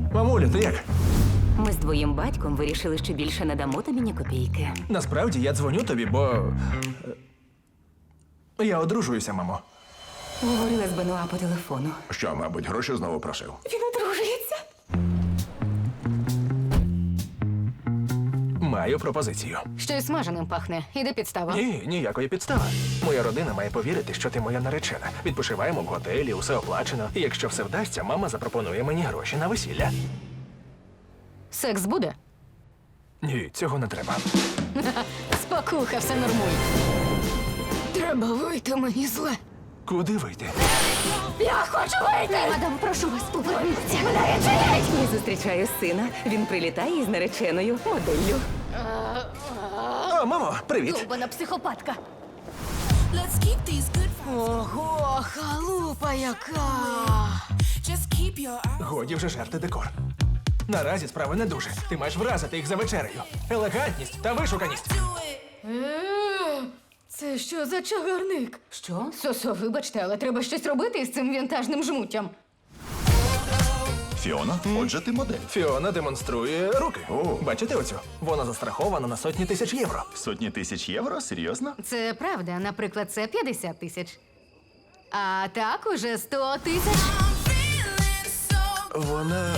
Мамуля, ти як? Ми з твоїм батьком вирішили, що більше не дамо тобі ні копійки. Насправді я дзвоню тобі, бо. Я одружуюся, мамо. Говорила з Бенуа по телефону. Що, мабуть, гроші знову просив? Він одружується. Маю пропозицію. Щось смаженим пахне. Іде підстава. Ні, ніякої підстави. Моя родина має повірити, що ти моя наречена. Відпочиваємо в готелі, усе оплачено. І якщо все вдасться, мама запропонує мені гроші на весілля. Секс буде? Ні, цього не треба. Спокуха, все нормуй. Треба вийти, мені зле. Куди вийти? Я хочу вийти! Мадам, прошу вас, поверніться. Мене відчиніть! Я зустрічаю сина. Він прилітає із нареченою моделлю. О, мамо, привіт! Довбана психопатка. Let's keep these good vibes. Ого, халупа яка! Just keep your eyes. Годі вже жерти декор. Наразі справи не дуже. Ти маєш вразити їх за вечерею. Елегантність та вишуканість. Do it. Це що за чагарник? Що? Сосо, вибачте, але треба щось робити із цим вінтажним жмуттям. Фіона, отже, ти модель. Фіона демонструє руки. О. Бачите оцю? Вона застрахована на сотні тисяч євро. Сотні тисяч євро? Серйозно? Це правда, наприклад, це 50 тисяч. А так уже 100 тисяч. I'm feeling so. Вона.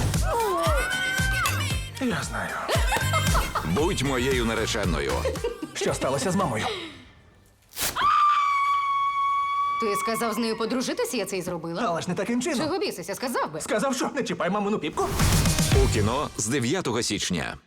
Я знаю. Будь моєю нареченою. Що сталося з мамою? Ти сказав з нею подружитися, я це й зробила. Але ж не таким чином. Чого бісися, сказав би. Сказав, що не чіпай мамину піпку. У кіно з 9 січня.